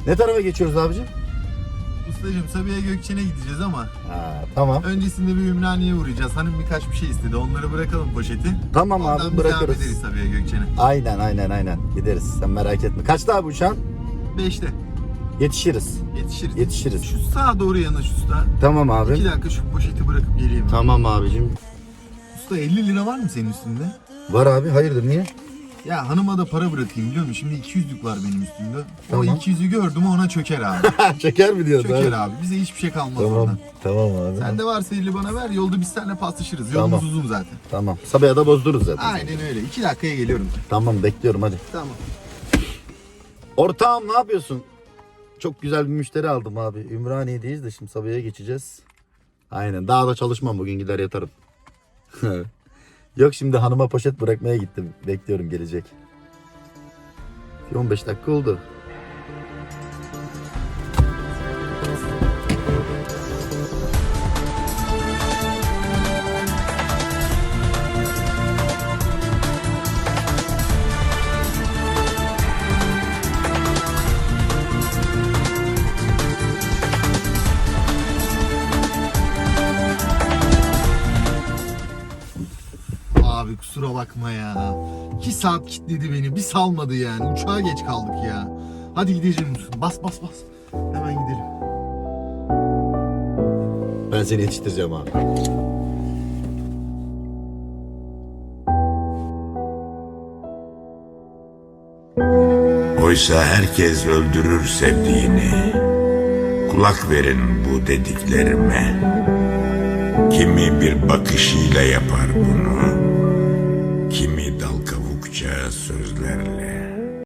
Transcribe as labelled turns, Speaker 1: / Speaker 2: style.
Speaker 1: Ne tarafa geçiyoruz abicim?
Speaker 2: Ustacığım Sabiha Gökçen'e gideceğiz ama
Speaker 1: Ha, tamam.
Speaker 2: öncesinde bir Ümraniye'ye uğrayacağız. Hanım birkaç bir şey istedi. Onları bırakalım poşeti.
Speaker 1: Tamam
Speaker 2: Ondan
Speaker 1: abi,
Speaker 2: biz
Speaker 1: bırakırız.
Speaker 2: devam ederiz Sabiha Gökçen'e.
Speaker 1: Aynen. Gideriz. Sen merak etme. Kaçta abi uçağın?
Speaker 2: 5'te.
Speaker 1: Yetişiriz.
Speaker 2: Yetişiriz. Şu sağa doğru yanaş usta.
Speaker 1: Tamam abi.
Speaker 2: 2 dakika şu poşeti bırakıp geleyim.
Speaker 1: Tamam abicim.
Speaker 2: Usta 50 lira var mı senin üstünde?
Speaker 1: Var abi, hayırdır, niye?
Speaker 2: Ya hanıma da para bırakayım biliyor musun? Şimdi 200'lük var benim üstümde.
Speaker 1: Tamam.
Speaker 2: O 200'ü gördüm ona çöker abi.
Speaker 1: Çeker mi diyorsun?
Speaker 2: Çöker abi. Bize hiçbir şey kalmaz oradan.
Speaker 1: Tamam abi.
Speaker 2: Sen de varsa 50 bana ver. Yolda biz seninle paslaşırız.
Speaker 1: Tamam.
Speaker 2: Yolumuz uzun zaten.
Speaker 1: Tamam. Sabah'a bozdururuz zaten.
Speaker 2: Aynen öyle. 2 dakikaya geliyorum.
Speaker 1: Tamam, bekliyorum hadi.
Speaker 2: Tamam.
Speaker 1: Ortağım ne yapıyorsun? Çok güzel bir müşteri aldım abi. Ümraniye'deyiz de şimdi Sabah'a geçeceğiz. Aynen. Daha da çalışmam, bugün gider yatarım. Yok, şimdi hanıma poşet bırakmaya gittim. Bekliyorum, gelecek. 15 dakika oldu.
Speaker 2: Abi kusura bakma ya. 2 saat kilitledi beni. Bir salmadı yani. Uçağa geç kaldık ya. Hadi gidelim. Bas. Hemen gidelim.
Speaker 1: Ben seni yetiştireceğim abi.
Speaker 3: Oysa herkes öldürür sevdiğini. Kulak verin bu dediklerime. Kimi bir bakışıyla yapar bunu, kimi